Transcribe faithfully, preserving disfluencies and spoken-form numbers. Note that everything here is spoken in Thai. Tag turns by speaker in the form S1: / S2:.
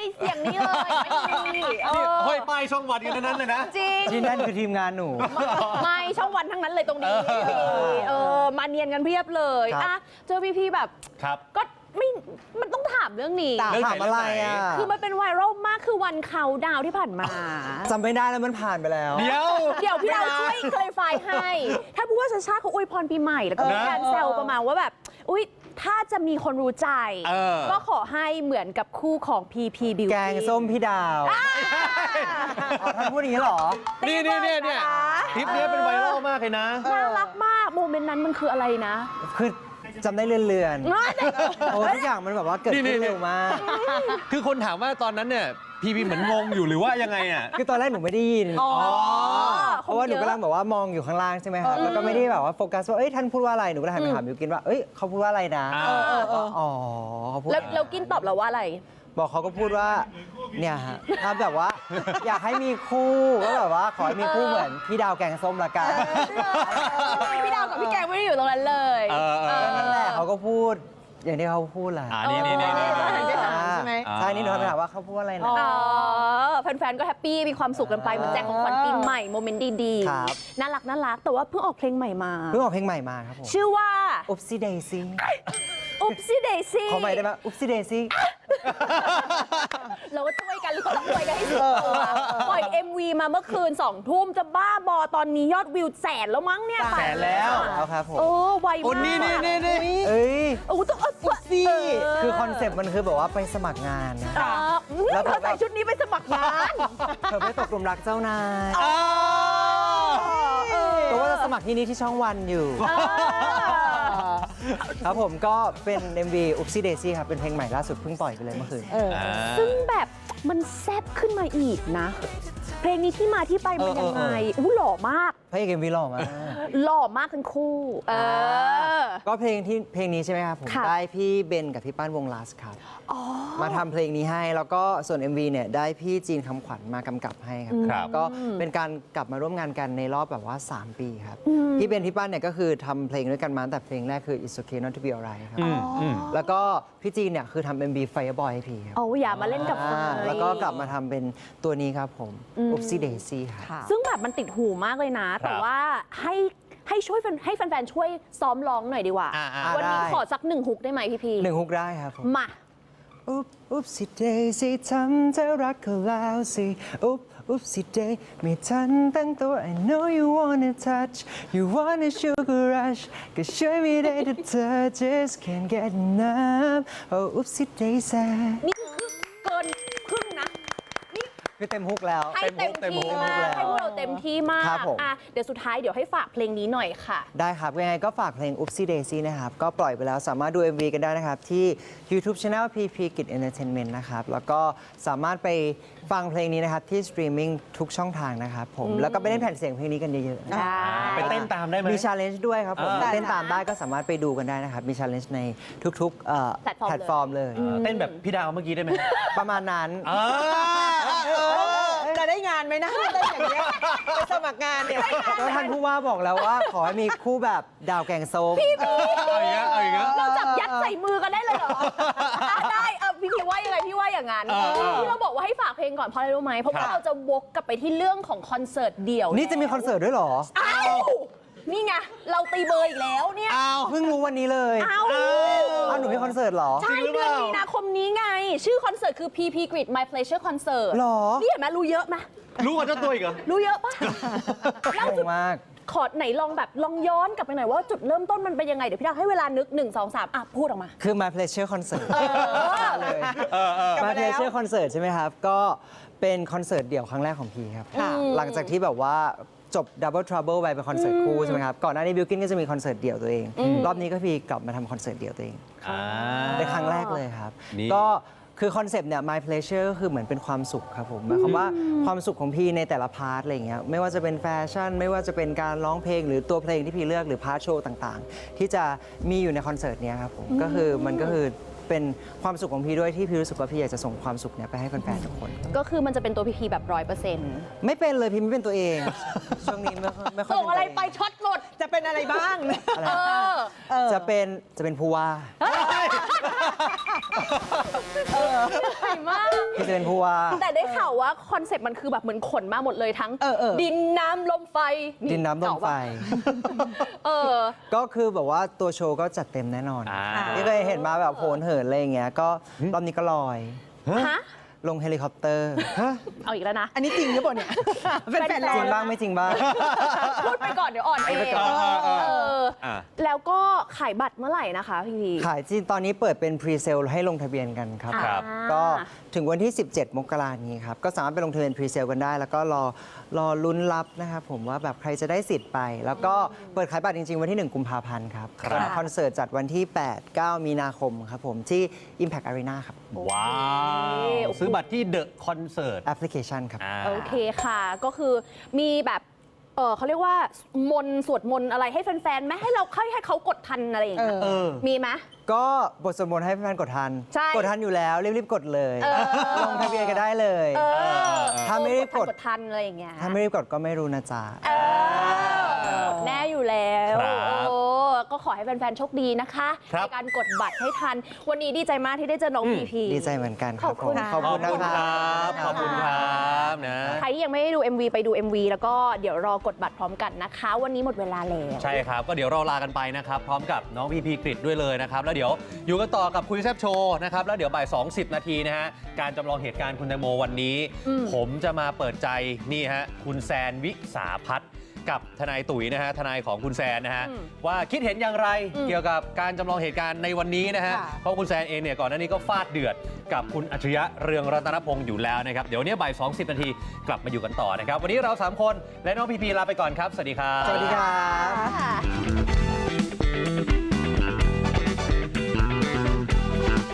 S1: เสียงนี้เลยไม่มีเออ
S2: ห้อยป้ายช่องวันกันทั้งนั้นเลยนะ
S1: จริง
S3: ที่นั่นคือทีมงานหนู
S1: ไม่ช่องวันทั้งนั้นเลยตรงนี้เออมาเนียนกันเพียบเลย
S3: ครับ
S1: อ่ะเจอพี่ๆแบบ
S2: ครับ
S1: ก็ไม่มันต้องถามเรื่องนี้
S3: ถามอะไรอ่ะ
S1: คือมันเป็นไวรัลมากคือวันเขาดาวที่ผ่านมา
S3: จำไม่ได้แล้วมันผ่านไปแล้ว
S2: เดี๋ยว
S1: เดี๋ยวพี่ดาวช่วยคลายไฟให้ ถ้าพูดว่าชาชาเขาอวยพรปีใหม่แล้วก็มีการแซวประมาณว่าแบบ อุ๊ย ถ้าจะมีคนรู้ใจ
S2: เออ
S1: ก็ขอให้เหมือนกับคู่ของ พี พี Beauty
S3: แกงส้มพี่ดาวอ๋อท่านพูดอย่างนี้เหรอ
S2: นี่นี่เนี่ยเนี่ยคลิปนี้เป็นไวรัลมากเลยนะ
S1: น่ารักมากโมเมนต์นั้นมันคืออะไรนะ
S3: คือจำได้เลื่อนๆโอ้ทุกอย่างมันแบบว่าเกิดขึ้นเร็วมาก
S2: คือคนถามว่าตอนนั้นเนี่ยพีพีเหมือนงงอยู่หรือว่ายังไงอ่ะ
S3: คือตอนแรกหนูไม่ได้ยิน
S1: อ๋อ
S3: เพราะว่าหนูกำลังแบบว่ามองอยู่ข้างล่างใช่ไหมครับ แล้วก็ไม่ได้แบบว่าโฟกัสว่า เอ้ยท่านพูดว่าอะไร หนูก็เลยหันไปถามบิวกินว่า เอ้ยเขาพูดว่าอะไรนะ
S2: อ่า
S3: แล้วก็อ๋อเขาพูด
S1: แล้วแล้วกินตอบเราว่าอะไร
S3: บอกเขาก็พูดว่า เนี่ยฮะถ้าแบบว่า อยากให้มีคู่ก็แบบว่าขอให้มีคู่เหมือนพี่ดาวแกงส้มละกัน
S1: พี่ดาวกับพี่แกงไม่ได้อยู่ตรงนั้นเลย
S2: เออเออ
S3: นั่นแหละเขาก็พูด อย่างที่เขาพูดแหละ
S2: อ่านี่นี่นี่นี่
S1: เออหันไปถามใช่ไหม
S3: ใช่นี่หนูหันไปถามว่าเขาพูดว่าอะไรนะ
S1: อ๋อแฟนๆ ก็แฮปปี้ มีความสุขกันไปเหมือนแจกของขวัญปีใหม่ โมเมนต์ดี
S3: ครับ
S1: ๆ น่ารักน่ารัก แต่ว่าเพิ่งออกเพลงใหม่มา
S3: เพิ่งออกเพลงใหม่มาครับผม
S1: ชื่อว่า
S3: Oopsie Daisy
S1: อุ๊บซี่เดซี่
S3: ขอใหม่ได้ไหม Oopsie Daisy
S1: เราก็ช่วยกันหรือก็ต้องช่วยกันให้สุดตัวปล่อย เอ็ม วี มาเมื่อคืนสองทุ่มจะบ้าบอตอนนี้ยอดวิวแสนแล้วมั้งเนี่ย
S2: แสนแล้ว
S3: แล้วครับผม
S1: โอ้ไว
S2: โอ้
S1: มาก
S2: นี่นี่นี่นี่
S3: เอ้ย
S1: โอ้ต้องเอาตัว
S3: ซี่คือคอนเซปต์มันคือแบบว่าไปสมัครงานนะ
S1: อ่าอุ๊ย
S3: แล้ว
S1: เธอใส่ชุดนี้ไปสมัครงาน
S3: เธอไปตกหลุมรักเจ้านาย
S2: อ้าว
S3: ตัวว่าจะสมัครที่นี่ที่ช่องวันอยู่
S1: อ่า
S3: ครับผมก็เป็น เอ็ม วี Oopsie Daisy ครับ เป็นเพลงใหม่ล่าสุดเพิ่งปล่อยไปเลยเมื่อคืน
S1: ซึ่งแบบมันแซ่บขึ้นมาอีกนะ เพลงนี้ที่มาที่ไปมันยังไง
S3: เออเออเออ
S1: อู้หล่อมาก
S3: พระเอก เอ็ม วี หล่อมาก
S1: หล่อมากทั้งคู่ เออ
S3: ก็เพลงที่เพลงนี้ใช่ไหมครับผม
S1: ค่ะ
S3: ได้พี่เบนกับพี่ป้านวงลาสครับมาทำเพลงนี้ให้แล้วก็ส่วน เอ็ม วี เนี่ยได้พี่จีนคำขวัญมากำกับให้ครับ
S2: ครับ
S3: ก็เป็นการกลับมาร่วมงานกันในรอบแบบว่า สาม ปีครับ พี่เบนพี่ป้านเนี่ยก็คือทำเพลงด้วยกันมาตั้งแต่เพลงแรกคือ It's Okay Not to Be Alright ครับ
S2: อืมอืม
S3: แล้วก็พี่จีนเนี่ยคือทำ เอ็ม วี Fireboy ให้พี่ครับ
S1: โอ้อย่ามาเล่นกับไฟ
S3: อ่าแล้วก็กลับมาทำเป็นตัวนี้ครับผม Oopsie Daisy ครับ
S1: ซึ่งแบบมันติดหูมากเลยนะ แต่ว่าให้ให้ช่วยแฟนให้แฟนๆ ช่วยซ้อมร้องหน่อยดีกว่า
S2: อ่าอ่า
S1: วันนี้
S3: ได้
S1: ขอสักหนึ่งฮุกได้ไหมพี่พี
S3: หนึ่งฮุกได้ครับผม
S1: มา
S3: อุ๊บอุ๊บสิเดสิทำเธอรักเขาแล้วสิอุ๊บอุ๊บสิเดไม่ทันตั้งตัว I know you wanna touch you wanna sugar rush ก็ช่วยไม่ได้แต่เธอ just can't get enough โอ้อุ๊บสิเดซ
S1: นี่คือเกินครึ่งนะ นี่
S3: คือเต็มฮุกแล้ว
S1: ให้เต็ม
S2: เต็ม
S1: ที่
S2: ฮุก
S1: มาก
S3: เต็มฮุกแล้ว
S1: ให้พวกเราเต็มที่มาก
S3: ครับผม
S1: อ่ะเดี๋ยวสุดท้ายเดี๋ยวให้ฝากเพลงนี้หน่อยค่ะ
S3: ได้ครับยังไงก็ฝากเพลง Oopsie Daisy นะครับ ก็ปล่อยไปแล้วสามารถดู เอ็ม วี กันได้นะครับ ที่ YouTube Channel พี พี Kid Entertainment นะครับ แล้วก็สามารถไปฟังเพลงนี้นะครับ ที่สตรีมมิ่งทุกช่องทางนะครับผม แล้วก็ไปเล่นแผ่นเสียงเพลงนี้กันเยอะๆนะ
S1: ได้
S2: ไปเต้นตามได้ไหม
S3: มีชาเลนจ์ด้วยครับผม
S2: อ่า
S3: เต้นตามได้ก็สามารถไปดูกันได้นะครับ มีชาเลนจ์ในทุกๆเอ่อ
S1: แพลตฟอร์ม
S3: แพลตฟอร์มเลย
S2: เต้นแบบพี่ดาวเมื่อกี้ได้ไหม
S3: ประมาณนั้น
S2: อ่า
S4: จะได้งานไหมนะได้อย่างเงี้ยไปสมัครงานเนี่ย
S3: ก็ท่านผู้ว่าบอกแล้วว่า ขอให้มีคู่แบบดาวแกงส้ม
S2: เอาอย่างเงี้ยเอาอย่างเงี้ย
S1: เราจับยัดใส่มือกันได้เลยเหรออ่ะได้เออพี่พีว่ายังไงพี่ว่าอย่างนั้น
S2: เออเออ
S1: ที่เราบอกว่าให้ฝากเพลงก่อนเพราะอะไรรู้ไหมเพราะว่า
S2: ครับ
S1: เราจะวกกลับไปที่เรื่องของคอนเสิร์ตเดี่ยว
S3: นี่จะมีคอนเสิร์ตด้วยเหรอ
S1: อ้าวนี่ไงเราตีเบอร์อีกแล้วเนี่ย
S2: อ้าว
S3: เพิ่งรู้วันนี้เลย
S1: อ้าว
S3: อ้าวหนูมีคอนเสิร์ตเหรอ
S1: ใช่
S2: จริงหรือ
S1: เดื
S2: เป
S1: อน
S2: ล่า
S1: มีนาคมนี้ไง ชื่อคอนเสิร์ตคือ พี พี Grid My Pleasure Concert
S3: หรอ
S1: นี่เห็นไหมรู้เยอะไหม
S2: รู้ว่าเจ้าตัวอีกเหรอ
S1: รู้เยอะปะเล่า
S3: เก่
S1: จุด
S3: งมาก
S1: ขอไหนลองแบบลองย้อนกลับไปหน่อยว่าจุดเริ่มต้นมันเป็นยังไง เดี๋ยวพี่ดาวให้เวลานึก หนึ่ง สอง สาม อ่ะ พูดออกมา
S3: คือ My Pleasure Concert
S1: เออ
S3: เลย
S2: เออเออ
S3: My Pleasure Concert ใช่ไหมครับ ก็เป็นคอนเสิร์ตเดี่ยวครั้งแรกของพีครับ
S1: ค่ะ
S3: หลังจากที่แบบว่าจบ Double Trouble ไปเป็นคอนเสิร์ตคู่ใช่ไหมครับ ก่อนหน้านี้บิลกินก็จะมีคอนเสิร์ตเดี่ยวตัวเอง รอบนี้ก็พีกลับมาทำคอนเสิร์ตเดี่ยวตัวเอง
S2: อ่า
S3: เป็นครั้งแรกเลยครับ
S2: นี่
S3: ก็คือคอนเซปต์เนี่ย My Pleasure ก็คือเหมือนเป็นความสุขครับผมหมายความว่าความสุขของพี่ในแต่ละพาร์ทอะไรอย่างเงี้ยไม่ว่าจะเป็นแฟชั่น ไม่ว่าจะเป็นการร้องเพลงหรือตัวเพลงที่พี่เลือกหรือพาร์ทโชว์ต่างๆ ที่จะมีอยู่ในคอนเสิร์ตเนี้ยครับผมก็คือมันก็คือเป็นความสุขของพี่ด้วยที่พี่รู้สึกว่าพี่อยากจะส่งความสุขเนี่ยไปให้แฟนๆทุกคน
S1: ก็คือมันจะเป็นตัวพีพีแบบร้อยเปอร์เซ็นต์
S3: ไม่เป็นเลยพี่ไม่เป็นตัวเอง ช่วงนี้ไม่ค่อยไม่ค่อย
S1: ส่ง
S3: เป็นตัว
S1: อะไร
S3: เอง
S1: ไปช็อตหมด
S4: จะเป็นอะไรบ้าง
S3: อะไร
S1: เออ
S3: จะเป็นจะเป็นผู้ว่า
S1: เฮ้ยใหญ่มาก
S3: พี่จะเป็นผู้ว่า
S1: แต่ได้ข่าวว่าคอนเซ็ปต์มันคือแบบเหมือนขนมาหมดเลยทั้ง
S4: เออเออ
S1: ดินน้ำลมไฟ
S3: ดินน้ำลมไฟ
S1: เออ
S3: ก็คือแบบว่าตัวโชว์ก็จัดเต็มแน่นอน
S2: อ่า
S3: ที่เคยเห็นมาแบบโหนเหินอะไรอย่างเงี้ยก็รอบนี้ก็ลอย
S1: ฮะ
S3: ลงเฮลิคอปเตอร์
S1: เอาอีกแล้วนะ
S4: อันนี้จริงหรือเปล่าเนี่ยเป็นแฟน
S3: จ
S4: เรา
S3: ริงบ้างไม่จริงบ้าง
S1: พูดไปก่อนเดี๋ยวอ่อนเอง
S2: เออเออเออ
S1: เออ
S2: อ่ะ
S1: แล้วก็ขายบัตรเมื่อไหร่นะคะพี่พี
S3: ขายจริงตอนนี้เปิดเป็นพรีเซลให้ลงทะเบียนกันครับ
S2: ครับ
S1: อ่า
S3: ก็ถึงวันที่ สิบเจ็ด มกราคมนี้ครับ ก็สามารถไปลงทะเบียนพรีเซลกันได้ แล้วก็รอรอลุ้นรับนะครับผมว่าแบบใครจะได้สิทธิ์ไป แล้วก็เปิดขายบัตรจริง ๆ วันที่ หนึ่ง กุมภาพันธ์ครับ
S2: ครับ
S3: คอนเสิร์ตจัดวันที่ แปด เก้า มีนาคมครับผมที่ Impact Arena ครับ
S2: ว้าว ซื้อบัตรที่เดอะคอนเสิร์ต
S3: แอปพลิเคชันครับ
S1: โอเคค่ะ ก็คือมีแบบ เออเขาเรียกว่ามนต์สวดมนต์อะไรให้แฟนๆไหมให้เราให้ให้เขากดทันอะไรอย่างเงี้ย
S2: เออ
S1: มีไหม
S3: ก็บทสวดมนต์ให้แฟนๆกดทัน
S1: ใช่
S3: กดทันอยู่แล้ว รีบๆ กดเลย
S1: เออ
S3: ลงทะเบียนก็ได้เลย
S1: เออ
S3: ถ้าไม่ได้กด
S1: กดทันอะไรอย่างเงี้ย
S3: ถ้าไม่รีบกดก็ไม่รู้นะจ๊ะ
S1: เออแน่อยู่แล้ว
S2: ครับ
S1: โอ้ก็ขอให้แฟนๆโชคดีนะคะ
S2: ครับ
S1: ในการกดบัตรให้ทัน วันนี้ดีใจมากที่ได้เจอน้อง
S2: อืม
S1: พีพี
S3: ดีใจเหมือนกันครับ
S1: ขอบคุณ
S3: ผม
S1: ค่ะ
S3: ขอบคุณนะ
S2: ขอบคุณ
S3: ค
S2: ค
S3: รั
S2: รับ
S3: บ
S2: ขอบคุณครับนะ
S1: ใครที่ยังไม่ได้ดู เอ็ม วี ไปดู เอ็ม วี แล้วก็เดี๋ยวรอกดบัตรพร้อมกันนะคะ วันนี้หมดเวลาแล้ว
S2: ใช่ครับ ก็เดี๋ยวเราลากันไปนะครับ พร้อมกับน้องพีพีกริดด้วยเลยนะครับ แล้วเดี๋ยวอยู่กันต่อกับคุยแซบโชว์นะครับ แล้วเดี๋ยวบ่าย สองสิบ นาทีนะฮะ การจำลองเหตุการณ์คุณแตงโมวันนี้
S1: อืม
S2: ผมจะมาเปิดใจนี่ฮะ คุณแซนวิสาพัฒน์กับทนายตุ๋ยนะฮะ ทนายของคุณแซนนะฮะ
S1: อืม
S2: ว่าคิดเห็นอย่างไร
S1: อืม
S2: เกี่ยวกับการจำลองเหตุการณ์ในวันนี้นะฮะ
S4: ค่ะ
S2: เพราะคุณแซนเองเนี่ยก่อนหน้านี้ก็ฟาดเดือดกับคุณอัจฉริยะเรืองรัตนพงศ์อยู่แล้วนะครับ เดี๋ยววนนี้บ่าย สองสิบ นาทีกลับมาอยู่กันต่อนะครับ วันนี้เราสามคนและน้องพีพีลาไปก่อนครับ สวัสดีครับ
S3: สวัสดีครับ
S1: ค่ะ